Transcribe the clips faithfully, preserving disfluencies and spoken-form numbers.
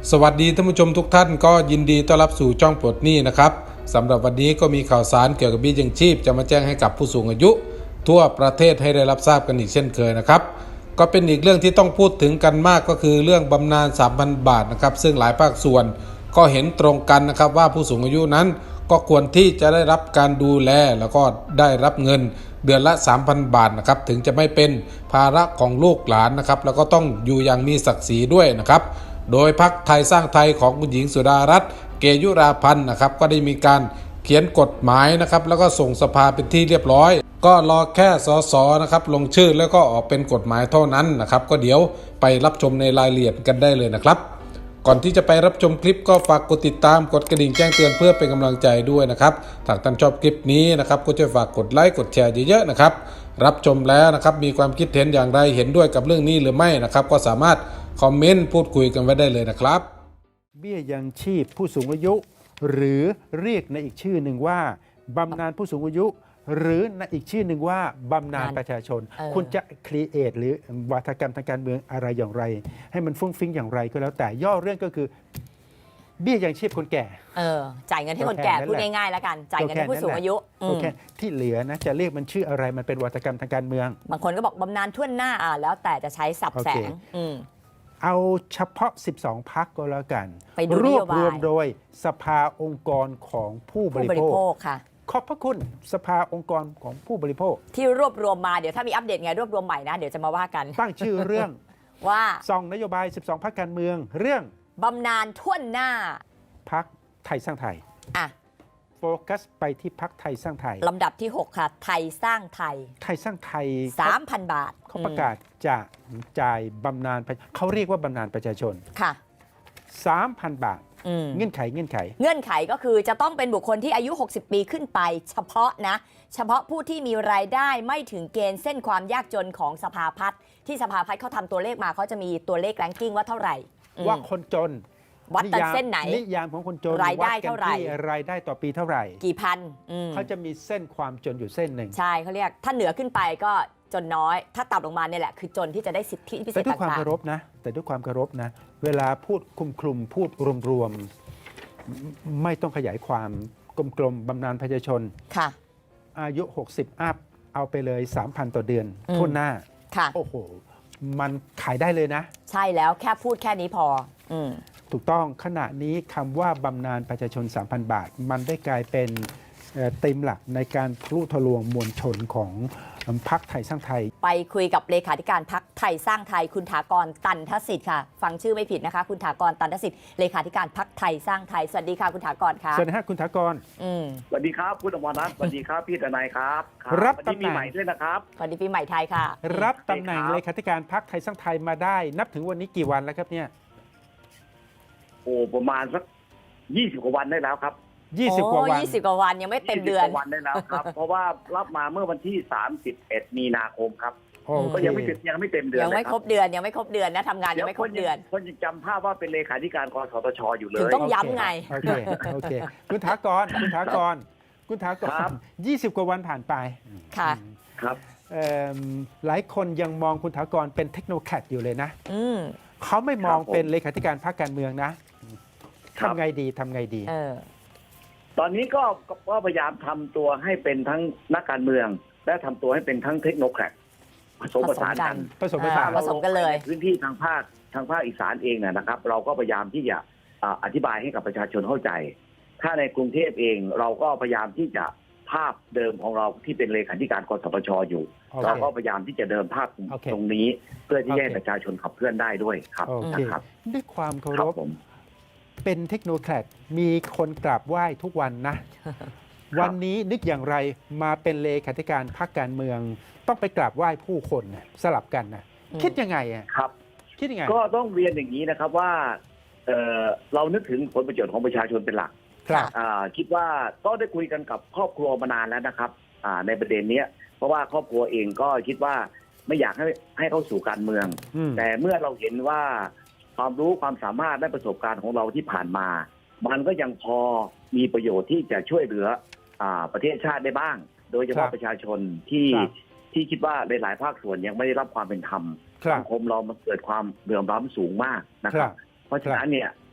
สวัสดีท่านผู้ชมทุกท่านก็ยินดีต้อนรับสู่ช่องปลดหนี้นะครับสำหรับวันนี้ก็มีข่าวสารเกี่ยวกับเบี้ยยังชีพจะมาแจ้งให้กับผู้สูงอายุทั่วประเทศให้ได้รับทราบกันอีกเช่นเคยนะครับก็เป็นอีกเรื่องที่ต้องพูดถึงกันมากก็คือเรื่องบำนาญ สามพัน บาทนะครับซึ่งหลายภาคส่วนก็เห็นตรงกันนะครับว่าผู้สูงอายุนั้นก็ควรที่จะได้รับการดูแลแล้วก็ได้รับเงินเดือนละ สามพัน บาทนะครับถึงจะไม่เป็นภาระของลูกหลานนะครับแล้วก็ต้องอยู่อย่างมีศักดิ์ศรีด้วยนะครับโดยพรรคไทยสร้างไทยของคุณหญิงสุดารัตน์เกยุราพันธ์นะครับก็ได้มีการเขียนกฎหมายนะครับแล้วก็ส่งสภาเป็นที่เรียบร้อยก็รอแค่สสนะครับลงชื่อแล้วก็ออกเป็นกฎหมายเท่านั้นนะครับก็เดี๋ยวไปรับชมในรายละเอียดกันได้เลยนะครับก่อนที่จะไปรับชมคลิปก็ฝากกดติดตามกดกระดิ่งแจ้งเตือนเพื่อเป็นกำลังใจด้วยนะครับถ้าท่านชอบคลิปนี้นะครับก็ช่วยฝากกดไลค์กดแชร์เยอะๆนะครับรับชมแล้วนะครับมีความคิดเห็นอย่างไรเห็นด้วยกับเรื่องนี้หรือไม่นะครับก็สามารถคอมเมนต์พูดคุยกันไว้ได้เลยนะครับเบี้ยยังชีพผู้สูงอายุหรือเรียกในอีกชื่อหนึ่งว่าบำนาญผู้สูงอายุหรือในอีกชื่อหนึ่งว่าบำนาญประชาชนคุณจะครีเอทหรือวาทกรรมทางการเมืองอะไรอย่างไรให้มันฟุ้งฟิ้งอย่างไรก็แล้วแต่ย่อเรื่องก็คือเบี้ยยังชีพคนแก่เออจ่ายเงินให้คนแก่พูดง่ายๆแล้วกันจ่ายเงินให้ผู้สูงอายุโอเคที่เหลือนะจะเรียกมันชื่ออะไรมันเป็นวาทกรรมทางการเมืองบางคนก็บอกบำนาญทั่วหน้าอ่ะแล้วแต่จะใช้สับแสงเอาเฉพาะสิบสองพรรคก็แล้วกันรวบรวมโดยสภาองค์กรของผู้บริโภคค่ะขอบพระคุณสภาองค์กรของผู้บริโภคที่รวบรวมมาเดี๋ยวถ้ามีอัปเดตไงรวบรวมใหม่นะเดี๋ยวจะมาว่ากันตั้งชื่อเรื่องว่าซองนโยบายสิบสองพรรคการเมืองเรื่องบำนาญทั่วหน้าพรรคไทยสร้างไทยอ่ะโฟกัสไปที่พรรคไทยสร้างไทยลำดับที่หกค่ะไทยสร้างไทยไทยสร้างไทยสามพัน บาทเขาประกาศจะจ่ายบำนาญเขาเรียกว่าบำนาญประชาชนค่ะสามพัน บาทเงื่อนไขเงื่อนไขเงื่อนไขก็คือจะต้องเป็นบุคคลที่อายุหกสิบปีขึ้นไปเฉพาะนะเฉพาะผู้ที่มีรายได้ไม่ถึงเกณฑ์เส้นความยากจนของสภาพัฒน์ที่สภาพัฒน์เขาทำตัวเลขมาเขาจะมีตัวเลขแรงกิ้งว่าเท่าไหร่ว่าคนจนวัดแต่เส้นไหนนิยามของคนจนรายได้เท่าไหร่รายได้ต่อปีเท่าไหร่กี่พันเขาจะมีเส้นความจนอยู่เส้นหนึ่งใช่เขาเรียกถ้าเหนือขึ้นไปก็จนน้อยถ้าต่ำลงมาเนี่ยแหละคือจนที่จะได้สิทธิพิเศษต่างๆแต่ด้วยความเคารพนะแต่ด้วยความเคารพนะเวลาพูดคลุมคลุมพูดรวมๆไม่ต้องขยายความกลมๆบำนาญประชาชนค่ะอายุหกสิบอัพเอาไปเลย สามพัน ต่อเดือนทั่วหน้าค่ะโอ้โหมันขายได้เลยนะใช่แล้วแค่พูดแค่นี้พออืมถูกต้องขณะนี้คำว่าบำนาญประชาชน สามพัน บาทมันได้กลายเป็นธีมหลักในการทะลุทะลวงมวลชนของพรรคไทยสร้างไทยไปคุยกับเลขาธิการพรรคไทยสร้างไทยคุณถากรตันทสิทธิ์ค่ะฟังชื่อไม่ผิดนะคะคุณถากรตันทสิทธิ์เลขาธิการพรรคไทยสร้างไทยสวัสดีค่ะคุณถากรค่ะสวัสดีครับคุณถากรสวัสดีครับคุณอมรรัตน์สวัสดีครับพี่ทนายครับรับตำแหน่งปีใหม่ด้วยนะครับสวัสดีปีใหม่ไทยค่ะรับตำแหน่งเลขาธิการพรรคไทยสร้างไทยมาได้นับถึงวันนี้กี่วันแล้วครับเนี่ยโอ้ประมาณสักยี่สิบกว่าวันได้แล้วครับยี่สิบกว่าวันยี่สิบกว่าวันยังไม่เต็มเดือนวันได้แล้วครับเพราะว่ารับมาเมื่อวันที่สามสิบเอ็ดมีนาคมครับก็ยังไม่เต็มยังไม่เต็มเดือนยังไม่ครบเดือนยังไม่ครบเดือนนะทำงานยังไม่ครบเดือนคนยังจำภาพว่าเป็นเลขาธิการกสทชอยู่เลยถึงต้องย้ำไงโอเคโอเคคุณถากรคุณถากรคุณถากรยี่สิบกว่าวันผ่านไปค่ะครับหลายคนยังมองคุณถากรเป็นเทคโนแครดอยู่เลยนะเขาไม่มองเป็นเลขาธิการพรรคการเมืองนะทำไงดีทำไงดีตอนนี้ก็ก็พยายามทำตัวให้เป็นทั้งนักการเมืองและทำตัวให้เป็นทั้งเทคโนแครดผสมผสานกันผสมผสานผสมกันเลยพื้นที่ทางภาคทางภาคอีสานเองนะครับ เราก็พยายามที่จะอธิบายให้กับประชาชนเข้าใจถ้าในกรุงเทพเองเราก็พยายามที่จะภาพเดิมของเราที่เป็นเลขาธิการกสทชอยู่เราก็พยายามที่จะเดินภาพตรงนี้เพื่อที่ให้ประชาชนขับเคลื่อนได้ด้วยครับนะครับด้วยความเคารพเป็นเทคโนแครดมีคนกราบไหว้ทุกวันนะวันนี้นึกอย่างไรมาเป็นเลขาธิการพรรคการเมืองต้องไปกราบไหว้ผู้คนสลับกันนะคิดยังไงอ่ะครับคิดยังไงก็ต้องเรียนอย่างนี้นะครับว่าเอ่อเรานึกถึงผลประโยชน์ของประชาชนเป็นหลักครับคิดว่าก็ได้คุยกันกับครอบครัวมานานแล้วนะครับในประเด็นนี้เพราะว่าครอบครัวเองก็คิดว่าไม่อยากให้ให้เข้าสู่การเมืองแต่เมื่อเราเห็นว่าความรู้ความสามารถและประสบการณ์ของเราที่ผ่านมามันก็ยังพอมีประโยชน์ที่จะช่วยเหลือประเทศชาติได้บ้างโดยเฉพาะประชาชนที่ที่คิดว่าหลายๆภาคส่วนยังไม่ได้รับความเป็นธรรมสังคมเรามันเกิดความเหลื่อมล้ำสูงมากนะครับเพราะฉะนั้นเนี่ย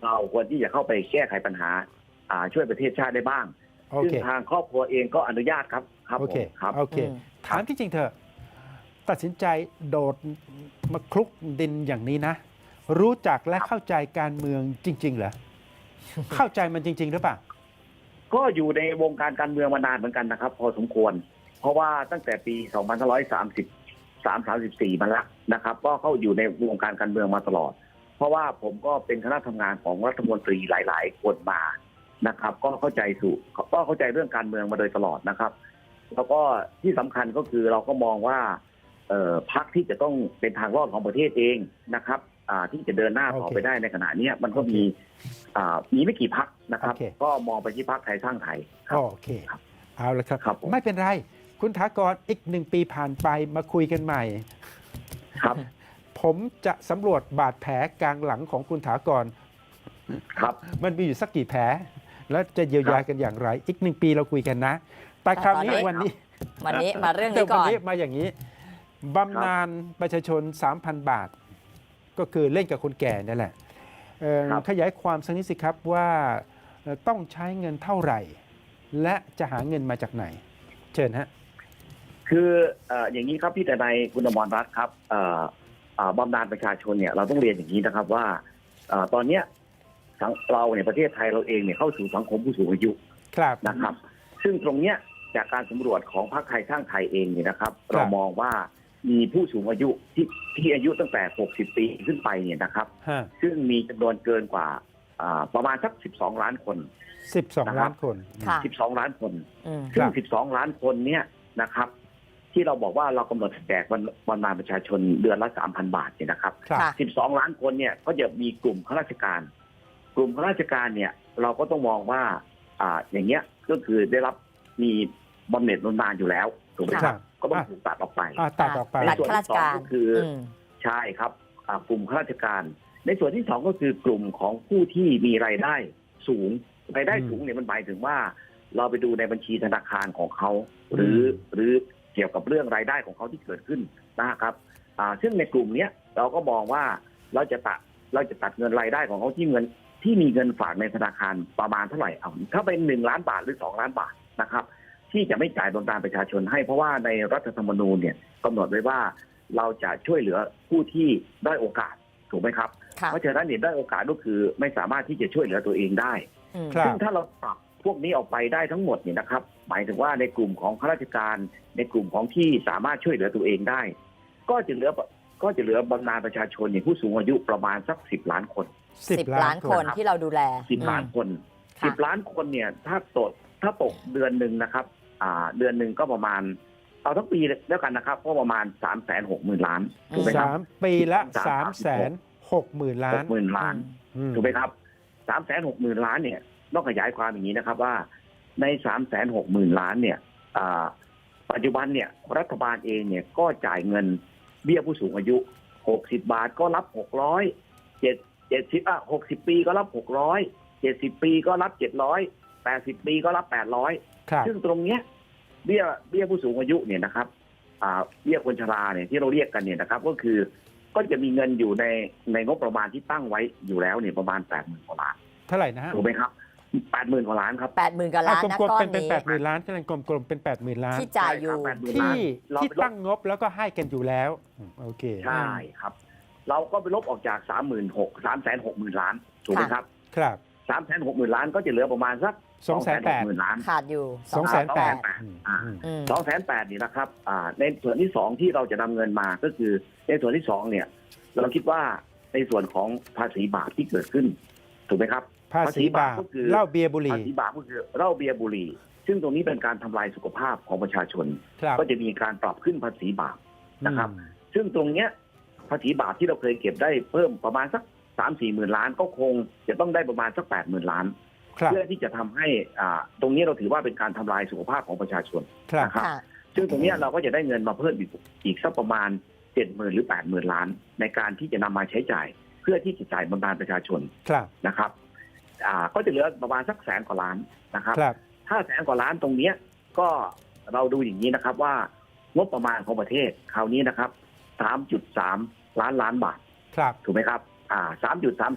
เราควรที่จะเข้าไปแก้ไขปัญหาอ่าช่วยประเทศชาติได้บ้างโอซึ่งเคทางครอบครัวเองก็อนุญาตครับครับโอเคผมครับโอเคอืมถามที่จริงเถอะตัดสินใจโดดมาคลุกดินอย่างนี้นะ รู้จักและเข้าใจการเมืองจริง ๆ เหรอ เข้าใจมันจริง ๆ หรือเปล่าก็อยู่ในวงการการเมืองมานานเหมือนกันนะครับ พอสมควร เพราะว่าตั้งแต่ปี สองพันห้าร้อยสามสิบสาม สามสิบสี่ มาแล้วนะครับ ก็เข้าอยู่ในวงการการเมืองมาตลอด เพราะว่าผมก็เป็นคณะทำงานของรัฐมนตรีหลาย ๆ คนมานะครับ ก็เข้าใจสู่ก็เข้าใจเรื่องการเมืองมาโดยตลอดนะครับ แล้วก็ที่สำคัญก็คือเราก็มองว่าเอ่อพรรคที่จะต้องเป็นทางรอดของประเทศเองนะครับอ่าที่จะเดินหน้าต่อโอเคไปได้ในขณะเนี้ยมันก็โอเคมีอ่ามีไม่กี่พรรคนะครับโอเคก็มองไปที่พรรคไทยสร้างไทยครับโอเค เอาละครับครับผมไม่เป็นไร คุณถากรอีกหนึ่งปีผ่านไปมาคุยกันใหม่ครับผมจะสำรวจบาดแผลกลางหลังของคุณถากรครับมันมีอยู่สักกี่แผล แล้วจะเยียวยากันอย่างไร อีกหนึ่งปีเราคุยกันนะ แต่คราวนี้ตอนนี้วันนี้วันนี้มาเรื่องแต่นี้วัก่อนนี้มาอย่างนี้บำนาญประชาชน สามพัน บาท ก็คือเล่นกับคนแก่นั่นแหละเอ่อครับขยายความสักนิดสิครับว่าเอ่อต้องใช้เงินเท่าไหร่ และจะหาเงินมาจากไหน เชิญฮะคือเอ่ออย่างนี้ครับพี่แต่ในายคุณอมรรัตน์ครับเอ่อเอ่อบำนาญประชาชนเนี่ยเราต้องเรียนอย่างนี้นะครับว่าเอ่อตอนเนี้ยสังเราเนี่ยประเทศไทยเราเองเนี่ยเข้าสู่สังคมผู้สูงอายุครับนะครับ ซึ่งตรงเนี้ยจากการสำรวจของพรรคไทยสร้างไทยเองเนี่ยนะครับครับเรามองว่ามีผู้สูงอายุที่ที่อายุตั้งแต่ หกสิบ ปีขึ้นไปเนี่ยนะครับฮะซึ่งมีจำนวนเกินกว่าอ่าประมาณสัก สิบสอง ล้านคนสิบสองนะครับล้านคนค่ะสิบสอง ล้านคนอืมซึ่คงรับสิบสอง ล้านคนเนี่ยนะครับ ที่เราบอกว่าเรากำหนดแจกบำนาญประชาชนเดือนละ สามพัน บาทเนี่ยนะครับครับค่ะสิบสอง ล้านคนเนี่ยก็จะมีกลุ่มข้าราชการ กลุ่มข้าราชการเนี่ยเราก็ต้องมองว่าอ่าอย่างเงี้ยก็คือได้รับมีบำเหน็จบำนาญอยู่แล้วถูกไหมคครัรับบก็ต้องถูกตัดออกไปอ่าตัดออกไปในตัดส่วนข้าราที่ชสองการก็คืออมใช่ครับอ่ากลุ่มข้าราชการ ในส่วนที่สองก็คือกลุ่มของผู้ที่มีรายได้สูงรายได้อืมสูงเนี่ยมันหมายถึงว่า เราไปดูในบัญชีธนาคารของเขา หรืออืมหรือเกี่ยวกับเรื่องรายได้ของเขาที่เกิดขึ้นนะครับอ่าซึ่งในกลุ่มเนี้ยเราก็มองว่าเราจะตัดเราจะตัดเงินรายได้ของเขาที่เงินที่มีเงินฝากในธนาคารประมาณเท่าไหร่เอาถ้าเป็นหนึ่งล้านบาทหรือสองล้านบาทนะครับ ที่จะไม่จ่ายบำนาญประชาชนให้เพราะว่าในรัฐธรรมนูญเนี่ยกำหนดไว้ว่าเราจะช่วยเหลือผู้ที่ได้อยโอกาสถูกไหมครับค่ะเพราะฉะนั้นเนี่ยได้อยโอกาสก็คือไม่สามารถที่จะช่วยเหลือตัวเองได้อืมครับซึ่งถ้าเราปรับพวกนี้ออกไปได้ทั้งหมดเนี่ยนะครับ หมายถึงว่าในกลุ่มของข้าราชการในกลุ่มของที่สามารถช่วยเหลือตัวเองได้ ก็จะเหลือก็จะเหลือบำนาญประชาชนเนี่ยผู้สูงอายุประมาณสักสิบล้านคนสิบล้านคนที่เราดูแลสิบล้านคนค่ะสิบล้านคนเนี่ยถ้าตกถ้าตกเดือนหนึ่งนะครับ อ่า เดือนหนึ่งก็ประมาณเอาทั้งปีแล้วกันนะครับก็ประมาณสามแสนหกหมื่นล้านถูกไหมครับสามปีละสาสาม มสิแสบหนกหกหมื่นล้าหนกหมื่นล้านอืมถูกไหมครับสามแสนหกหมื่นล้านเนี่ยต้องขยายความอย่างนี้นะครับว่าในสามแสนหกหมื่นล้านเนี่ยอ่าปัจจุบันเนี่ยรัฐบาลเองเนี่ยก็จ่ายเงินเบี้ยผู้สูงอายุหกสิบบาทก็รับหกร้อยเจ็ดเจ็ดสิบอ่ะหกสิบปีก็รับหกร้อยเจ็ดสิบปีก็รับเจ็ดร้อยแปดสิบปีก็รับแปดร้อยครับซึ่งตรงเนี้ยเบี้ยเบี้ยผู้สูงอายุเนี่ยนะครับอ่าเบี้ยคนชราเนี่ยที่เราเรียกกันเนี่ยนะครับ ก็คือก็จะมีเงินอยู่ในในงบประมาณที่ตั้งไว้อยู่แล้วเนี่ยประมาณแปดหมื่นกว่าล้านเท่าไหร่นะฮะถูกไหมครับแปดหมื่นกว่าล้านครับแปดหมื่นกว่าล้านนะกลมก้อๆเป็น นเป็นนี้แปดหมื่นล้านก็เลยกลมๆเป็นแปดหมื่นล้านที่จ่ายอยู่ใช่ครับ80,000 ที่เราที่ไปลบตั้งงบแล้วก็ให้กันอยู่แล้วอืมโอเคใช่ครับ เราก็ไปลบออกจากสามหมื่นหกสามแสนหกหมื่นล้านถูกไหมครับครับสามแสนหกหมื่นล้านก็จะเหลือประมาณสักสองแสนแปดหมื่นล้านขาดอยู่สองแสนแปดอืมอืมอืมสองแสนแปดนี่นะครับอ่าในส่วนที่สองที่เราจะนำเงินมาก็คือในส่วนที่สองเนี่ย เราคิดว่าในส่วนของภาษีบาปที่เกิดขึ้นถูกไหมครับภาษีบาปก็คือเหล้าเบียร์บุหภารี่ษีบาปก็คือเหล้าเบียร์บุหรี่ซึ่งตรงนี้เป็นการทำลายสุขภาพของประชาชนครับก็จะมีการปรับขึ้นภาษีบาปนะครับอืมซึ่งตรงเนี้ยภาษีบาปที่เราเคยเก็บได้เพิ่มประมาณสักสามสี่หมื่นล้านก็คงจะต้องได้ประมาณสักแปดหมื่นล้านครับเพื่อที่จะทำให้อ่าตรงนี้เราถือว่าเป็นการทำลายสุขภาพของประชาชนครับนะครับค่ะซึ่งตรงเนี้ยเราก็จะได้เงินมาเพิ่มอีกอีกสักประมาณเจ็ดหมื่นหรือแปดหมื่นล้าน ในการที่จะนำมาใช้จ่าย เพื่อที่จะจ่ายบำนาญประชาชนครับนะครับอ่าก็จะเหลือประมาณสักแสนกว่าล้านนะครับครับถ้าแสนกว่าล้านตรงเนี้ยก็เราดูอย่างนี้นะครับว่างบประมาณของประเทศคราวนี้นะครับ สามจุดสาม ล้านล้านบาทครับถูกไหมครับอ่า สามจุดสามสาม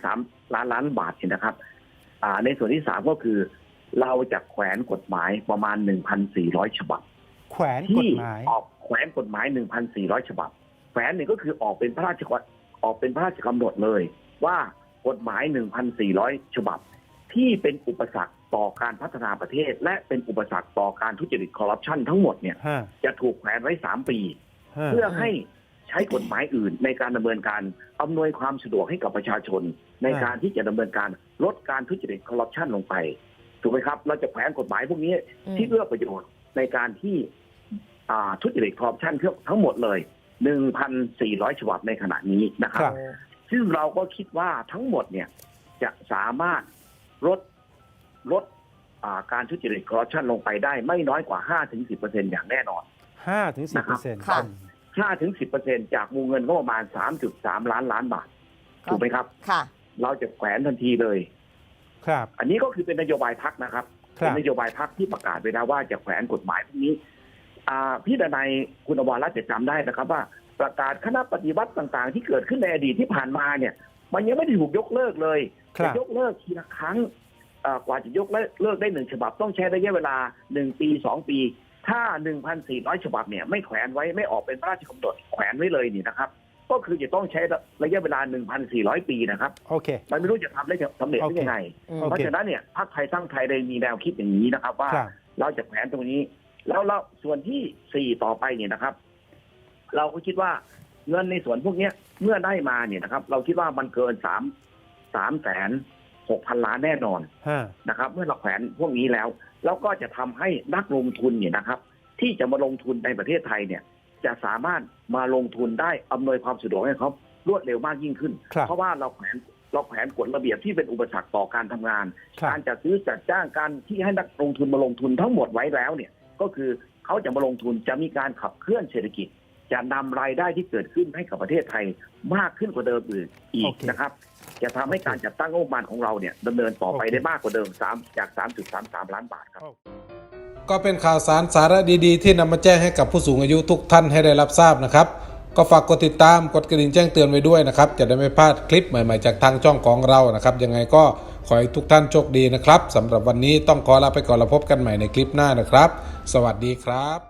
ล้านล้านบาทเนี่ยนะครับอ่าในส่วนที่สามก็คือเราจะแขวนกฎหมายประมาณ หนึ่งพันสี่ร้อย ฉบับแขวนกที่ฎหมายออกแขวนกฎหมาย หนึ่งพันสี่ร้อย ฉบับแขวนนี่ก็คือออกเป็นพระราชกฎออกเป็นพระราชกำหนดเลยว่ากฎหมาย หนึ่งพันสี่ร้อย ฉบับที่เป็นอุปสรรคต่อการพัฒนาประเทศ และเป็นอุปสรรคต่อการทุจริตคอร์รัปชันทั้งหมดเนี่ยฮะจะถูกแขวนไว้สามปีฮะเพื่อให้ใช้กฎหมายอื่นในการดำเนินการอำนวยความสะดวกให้กับประชาชน ในการที่จะดำเนินการลดการทุจริตคอร์รัปชันลงไปถูกไหมครับเราจะแขวนกฎหมายพวกนี้ที่เอื้อประโยชน์ในการที่อ่าทุจริตคอร์รัปชันทั้งหมดเลย หนึ่งพันสี่ร้อย ฉบับในขณะนี้นะครับครับซึ่งเราก็คิดว่าทั้งหมดเนี่ยจะสามารถลดลดอ่าการทุจริตคอร์รัปชันลงไปได้ไม่น้อยกว่า ห้าถึงสิบเปอร์เซ็นต์ อย่างแน่นอนห้าถึงสิบเปอร์เซ็นต์ค่ะห้าถึงสิบเปอร์เซ็นต์ จากวงเงินก็ประมาณ สามจุดสาม ล้านล้านบาทถูกไหมครับค่ะเราจะแขวนทันทีเลยครับอันนี้ก็คือเป็นนโยบายพรรคนะครับครับเป็นนโยบายพรรคที่ประกาศไปแล้วว่าจะแขวนกฎหมายพวกนี้อ่าพี่ดนัยคุณอวรรัตน์จะจำได้นะครับว่าประกาศคณะปฏิวัติต่างๆ ที่เกิดขึ้นในอดีตที่ผ่านมาเนี่ยมันยังไม่ได้ถูกยกเลิกเลยครัจะบยกเลิกทีละครั้งอ่ากว่าจะยกเลิกได้หนึ่งฉบับต้องใช้ระยะเวลาหนึ่งปีสองปี ถ้า หนึ่งพันสี่ร้อย ฉบับเนี่ยไม่แขวนไว้ไม่ออกเป็นพระราชกำหนดแขวนไว้เลยนี่นะครับก็คือจะต้องใช้ระยะเวลา หนึ่งพันสี่ร้อย ปีนะครับโอเคมันไม่รู้จะทำได้สำเร็จได้ยังไงอืมโอเพราะเคฉะนั้นเนี่ยพรรคไทยสร้างไทยได้มีแนวคิดอย่างนี้นะครับ ว่าครับเราจะแขวนตรงนี้ แล้วเราส่วนที่สี่ต่อไปเนี่ยนะครับ เราก็คิดว่าเงินในส่วนพวกเนี้ยเมื่อได้มาเนี่ยนะครับ เราคิดว่ามันเกินสามสามแสนหกพันล้านแน่นอนฮะนะครับ เมื่อเราแขวนพวกนี้แล้ว แล้วก็จะทำให้นักลงทุนเนี่ยนะครับ ที่จะมาลงทุนในประเทศไทยเนี่ย จะสามารถมาลงทุนได้อำนวยความสะดวกให้เขารวดเร็วมากยิ่งขึ้นครับเพราะว่าเราแขวนเราแขวนกฎระเบียบที่เป็นอุปสรรคต่อการทำงานครับการจัดซื้อจัดจ้างการที่ให้นักลงทุนมาลงทุนทั้งหมดไว้แล้วเนี่ย ก็คือเขาจะมาลงทุนจะมีการขับเคลื่อนเศรษฐกิจ จะนำรายได้ที่เกิดขึ้นให้กับประเทศไทยมากขึ้นกว่าเดิมอื่นอีโอก เคนะครับ จะทำให้การจัดตั้งงบประมาณของเราเนี่ยดำเนินต่อไปโอเคได้มากกว่าเดิมสามจาก สามจุดสามสาม ล้านบาทครับก็เป็นข่าวสารสาระดีๆที่นำมาแจ้งให้กับผู้สูงอายุทุกท่านให้ได้รับทราบนะครับ ก็ฝากกดติดตามกดกระดิ่งแจ้งเตือนไว้ด้วยนะครับจะได้ไม่พลาดคลิปใหม่ๆจากทางช่องของเรานะครับยังไงก็ขอให้ทุกท่านโชคดีนะครับสำหรับวันนี้ต้องขอลาไปก่อนแล้วพบกันใหม่ในคลิปหน้านะครับ สวัสดีครับ